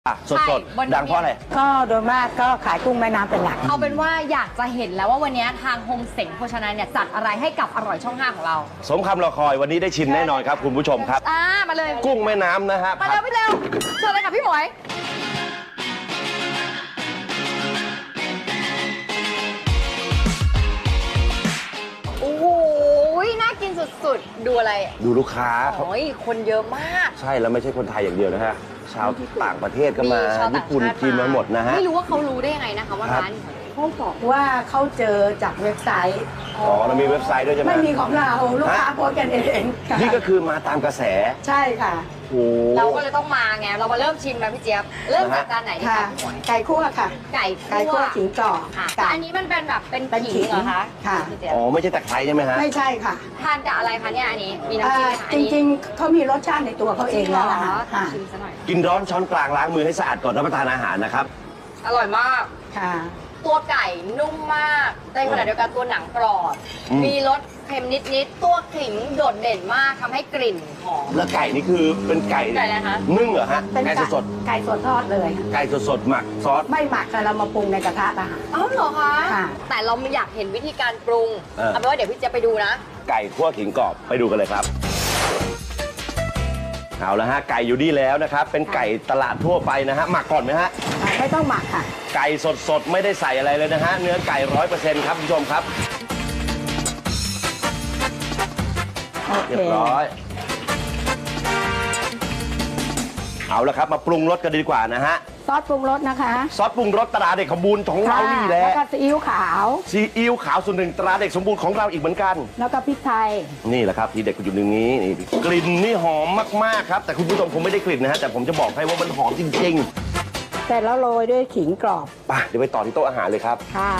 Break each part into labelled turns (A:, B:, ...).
A: สดๆดังเพราะอะไร
B: ก็โดยมากก็ขายกุ้งแม่น้ำเป็นหลัก
C: เอาเป็นว่าอยากจะเห็นแล้วว่าวันนี้ทางโฮมเส็งโภชนาเนี่ยจัดอะไรให้กับอร่อยช่อง 5ของเรา
A: สมคำรอคอยวันนี้ได้ชิมแน่นอนครับคุณผู้ชมครับ
C: มาเลย
A: กุ้งแม่น้ำนะฮะ
C: มาเร็วพี่เร็วเชิญเลยค่ะพี่หมวยโอ้โหน่ากินสุดๆดูอะไร
A: ดูลูกค้า
C: โอ้ยคนเยอะมาก
A: ใช่แล้วไม่ใช่คนไทยอย่างเดียวนะฮะชาวต่างประเทศก็มาญี่ปุ่นจีนมาหมดนะฮะ
C: ไม่รู้ว่าเขารู้ได้ยังไงนะคะว่าร้าน
B: เขาบอกว่าเขาเจอจากเว็บไซต์
A: เรามีเว็บไซต์ด้วยใช่ไหม
B: ไม่มีของเราลูกค้าโพสกันเอง
A: นี่ก็คือมาตามกระแส
B: ใช่ค่ะ
C: เราก็เลยต้องมาไงเรามาเริ่มชิมแล้วพี่เจี๊ยบเริ่มจากจานไหนดีคะ
B: ไก่คั่วค่ะ
C: ไก่
B: คั่วขิงกรอบ
C: อันนี้มันเป็นแบบเป็นขิงเหรอคะ
B: ค่ะ
A: อ๋อไม่ใช่ตะไคร้ใช่ไหมฮะ
B: ไม่ใช่ค่ะ
C: ทานกับอะไรคะเนี่ยอันนี้มีน้ำ
B: จิ้มจริงๆเขามีรสชาติในตัวเขาเองแล้วค่ะ
C: ชิมซะหน่อย
A: กินร้อนช้อนกลางล้างมือให้สะอาดก่อนรับประทานอาหารนะครับ
C: อร่อยมาก
B: ค่ะ
C: ตัวไก่นุ่มมากในขณะเดียวกันตัวหนังกรอบมีรสเค็มนิดๆตัวขิงโดดเด่นมากทำให้กลิ่นหอม
A: แล้วไก่นี่คือเป็นไก่
C: อะไรคะ
A: นึ่งเหรอฮะไก่สด
B: ไก่สดทอดเลย
A: ไก่สดหมักซอส
B: ไม่หมักเรามาปรุงในกระทะอาหาร
C: อ๋อเหรอคะแต่เราไม่อยากเห็นวิธีการปรุงเอาเป็นว่าเดี๋ยวพี่เจี๊ยบไปดูนะ
A: ไก่คั่วขิงกรอบไปดูกันเลยครับเอาละฮะไก่อยู่ดีแล้วนะครับเป็นไก่ตลาดทั่วไปนะฮะหมักก่อนไหมฮะ
B: ไม่ต้องหมักค่ะ
A: ไก่สดๆไม่ได้ใส่อะไรเลยนะฮะเนื้อไก่ 100% ครับคุณผู้ชมครับเรียบร้อยเอาละครับมาปรุงรสกันดีกว่านะฮะ
B: ซอสปรุงรสนะคะ
A: ซอสปรุงรสตราเด็กสมบูรณ์ของเรานี่แหละ
B: แล้วก็ซีอิ๊วขาว
A: ซีอิ๊วขาวส่วนหนึ่งตราเด็กสมบูรณ์ของเราอีกเหมือนกัน
B: แล้วก็พริกไทย
A: นี่แหละครับที่เด็กอยู่ตรงนี้นี่กลิ่นนี่หอมมากๆครับแต่คุณผู้ชมคงไม่ได้กลิ่นนะฮะแต่ผมจะบอกให้ว่ามันหอมจริง
B: ๆแต่แล้วโรยด้วยขิงกรอบ
A: ไปเดี๋ยวไปต่อที่โต๊ะอาหารเลยครับ
B: ค่ะ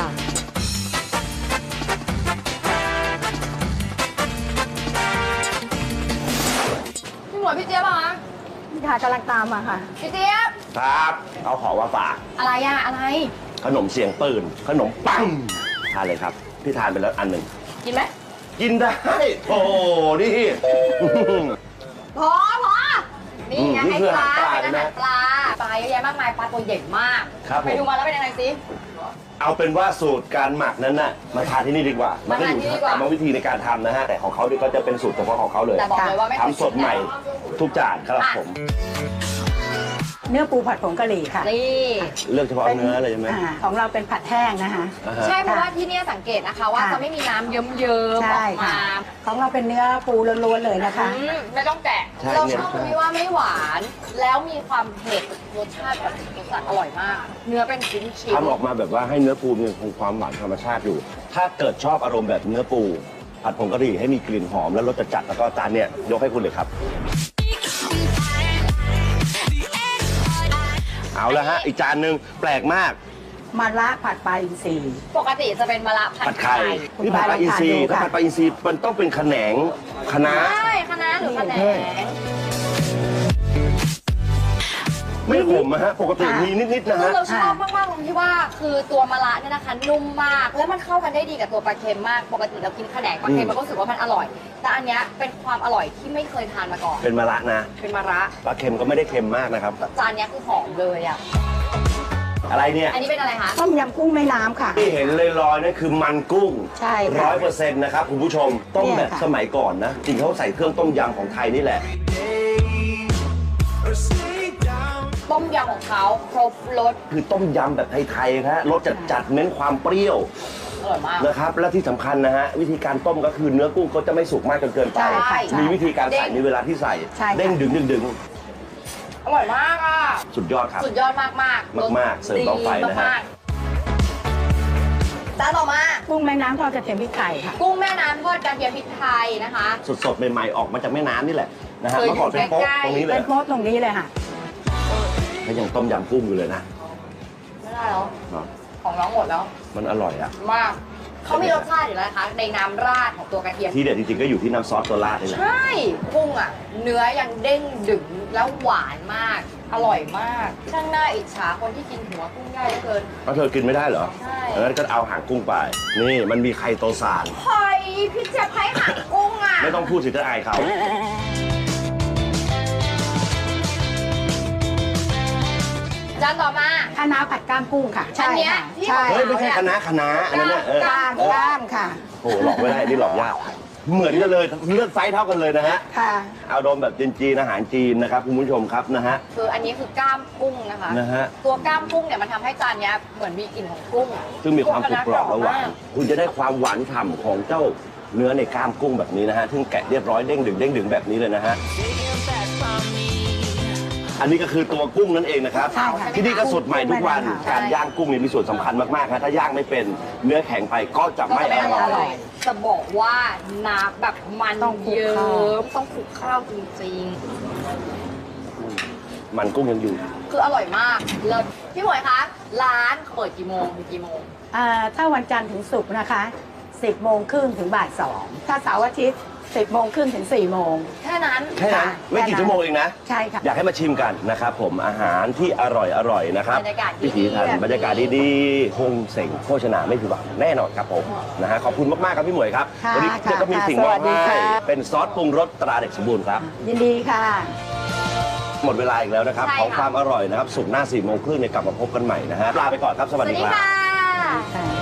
C: พี่หมวยพี่เจี๊ยบคะ
B: ค่ะกำลังตามมาค่ะ
C: พี่เจี๊ยบ
A: ครับเอาของมาฝาก
C: อะไรอะไร
A: ขนมเสียงปืนขนมปังทานเลยครับพี่ทานไปแล้วอันหนึ่ง
C: กินไหม
A: กินได้โอ้นี่
C: พอนี่ไงให้ปลาเป็นอาหารปลาเยอะแยะมากมายปลาตัวใหญ่มากไปดูมาแล้วเป็นยังไงสิ
A: เอาเป็นว่าสูตรการหมักนั้นน่ะมาทานที่นี่ดีกว่ามันก็อยู่ที่กรรมวิธีในการทำนะฮะแต่ของเขาก็จะเป็นสูตรเฉพาะของเขาเลย
C: แต่บอกเลยว่าไม่
A: ทำสดใหม่ทุกจานครับผม
B: เนื้อปูผัดผงกะหรี่ค่ะ
C: นี่
A: เลือกเฉพาะเนื้อเลยใช่ไหม
B: ของเราเป็นผัดแห้งนะคะ
C: ใช่เพราะว่าที่นี่สังเกตนะคะว่าจะไม่มีน้ำเยิ้มๆออกมา
B: ของเราเป็นเนื้อปูล้วนๆเลยนะคะ
C: ไม่ต้องแกะเราชอบตรงที่ว่าไม่หวานแล้วมีความเผ็ดรสชาติแบบรสชาติอร่อยมากเนื้อเป็นชิ้นๆ
A: ทำออกมาแบบว่าให้เนื้อปูมีคงความหวานธรรมชาติอยู่ถ้าเกิดชอบอารมณ์แบบเนื้อปูผัดผงกะหรี่ให้มีกลิ่นหอมและรสจัดแล้วก็จานเนี่ยยกให้คุณเลยครับเอาละฮะอีกจานหนึ่งแปลกมาก
B: มะระผัดปลาอินทรี
C: ปกติจะเป็นมะระผัดไข่
A: นี่ผัดปลาอินทรีถ้าผัดปลาอินทรีมันต้องเป็นแขนงคะน้า
C: ใช่คะน้าหรือแขนง
A: ไม่ขมนะฮะปกติมีนิดๆนะฮะ
C: เราชอบมากๆตรงที่ว่าคือตัวมะระเนี่ยนะคะนุ่มมากแล้วมันเข้ากันได้ดีกับตัวปลาเค็มมากปกติเรากินแขนงปลาเค็มมันก็รู้สึกว่ามันอร่อยแต่อันนี้เป็นความอร่อยที่ไม่เคยทานมาก่อน
A: เป็นมะระนะ
C: เป็นมะระ
A: ปลาเค็มก็ไม่ได้เค็มมากนะครับ
C: จานนี้คือหอมเลยอ่ะ
A: อะไรเนี่ย
C: อันนี้เป็นอะไรคะ
B: ต้มยำกุ้งแม่น้ำค่ะ
A: ที่เห็นลอยๆนั่นคือมันกุ้ง
B: ใช่
A: 100%นะครับคุณผู้ชมต้มแบบสมัยก่อนนะจริงเขาใส่เครื่องต้มยำของไทยนี่แหละ
C: ต้มยำของเขาครบรส
A: คือต้มยำแบบไทยๆครับรสจัดๆเน้นความเปรี้ยว
C: อร่อยมาก
A: นะครับและที่สำคัญนะฮะวิธีการต้มก็คือเนื้อกุ้งเขาจะไม่สุกมากจนเกินไปมีวิธีการใส่มีเวลาที่ใส่เด้งดึง
C: อร่อยมากอ่ะ
A: สุดยอดครับ
C: สุดยอดมาก
A: เสิร์ฟต่อไปนะฮะ
C: จานต่อมา
B: กุ้งแม่น้ำทอดกระเทียมพริกไทยค่ะ
C: กุ้งแม่น้ำทอดกระเทียมพริกไทยนะคะ
A: สดๆใหม่ๆออกมาจากแม่น้ำนี่แหละนะฮะเมื่อก่อนเป็นโป๊ะตรงนี้เลย
B: เป็นโป๊ะตรงนี้เลยค่ะ
A: เขายังต้มยำกุ้งอยู่เลยนะ
C: ไม่ได้แล้วของน้องหมดแล้ว
A: มันอร่อยอะ
C: มากเขามีรสชาติอยู่แล้วนะคะในน้ำราดของตัวกระเทียม
A: ที่เด็ดจริงๆก็อยู่ที่น้ำซอสตัวราดนี่แหละ
C: ใช่กุ้งอ่ะเนื้อยังเด้งดึงแล้วหวานมากอร่อยมากช่างน่าอิจฉาคนที่กินหัวกุ้งได้เกิน
A: เธอกินไม่ได้เหรอ
C: ใช่
A: งั้นก็เอาหางกุ้งไปนี่มันมีไข่โตซาน
C: เฮ้ยพี่จะให้หางกุ้งอ่ะ
A: ไม่ต้องพูดสิจะอายเขา
C: จานต่อมา
B: คะน้าผัดก้ามกุ้งค่ะ
C: อันเนี้ย
B: ค่ะ
C: ที่
B: ใช่
A: เฮ้ยไม่ใช่คณะอันนั้นเนี่ย
B: ก้ามก้ามค่ะ
A: โอ้โหหลอกไม่ได้นี่หลอกยากเหมือนกันเลยเลือดไซส์เท่ากันเลยนะฮะ
B: ค่ะ
A: เอาดมแบบจีนๆอาหารจีนนะครับคุณผู้ชมครับนะฮะ
C: คืออันนี้คือกล้ามกุ้งนะคะ
A: นะฮะ
C: ตัวกล้ามกุ้งเนี่ยมันทำให้จานเนี้ยเหมือนมีกลิ่นของกุ้ง
A: ซึ่งมีความกรุบกรอบและหวานคุณจะได้ความหวานฉ่ำของเจ้าเนื้อในกล้ามกุ้งแบบนี้นะฮะซึ่งแกะเรียบร้อยเด้งดึงแบบนี้เลยนะฮะอันนี้ก็คือตัวกุ้งนั่นเองนะครับ
B: ใช่ค่ะ
A: ที่นี่ก็สดใหม่ทุกวัน
B: ใช่
A: การย่างกุ้งเนี่ยมีส่วนสำคัญมากๆครับถ้าย่างไม่เป็นเนื้อแข็งไปก็จะไม่อร่อย
C: จะบอกว่าน้ำแบบมัน
B: ต้องคลุก
C: เยิ้
B: ข้าว
C: มต้องคลุกข้าวจริง
A: มันกุ้งยังอยู่
C: ๆ คืออร่อยมากเลิศพี่หมวยคะร้านเปิดกี่โมงถึงกี่โมง
B: ถ้าวันจันทร์ถึงศุกร์นะคะ 10 โมงครึ่งถึงบ่าย 2 ถ้าเสาร์อาทิตย์ 10 โมงครึ่งถึง 4 โมง
C: แค่นั้น
A: แค่นั้นไม่กี่ชั่วโมงเองนะ
B: ใช่ค่ะ
A: อยากให้มาชิมกันนะครับผมอาหารที่อร่อยนะครับ
C: บรรยากาศดีๆ
A: พิถีทัน
C: แบบนี้
A: บรรยากาศดีๆคงเสงโภชนาไม่ผิดหวังแน่นอนครับผมนะฮะขอบคุณมากๆครับพี่หมวยครับ
B: ค่ะ
A: วันี้
B: ค่ะ
A: ก็มีสิ่ง
B: ค่ะ
A: มอบ
B: สวัสดี
A: ให้
B: ค่ะ
A: เป็นซอสปรุงรสตราเด็กสมบูรณ์ครับ
B: ยินดีค่ะ
A: หมดเวลาอีกแล้วนะครับ
C: ใช่
A: ของ
C: ค่ะ
A: ความอร่อยนะครับสุกร์หน้า4 โมงครึ่งเนี่ยกลับมาพบกันใหม่นะฮะลาไปก่อนครับส
C: ส
A: วั
C: วั
A: ส
C: ส
A: ดี
C: ดี
A: ครับ
C: ค่ะ
B: ค่ะ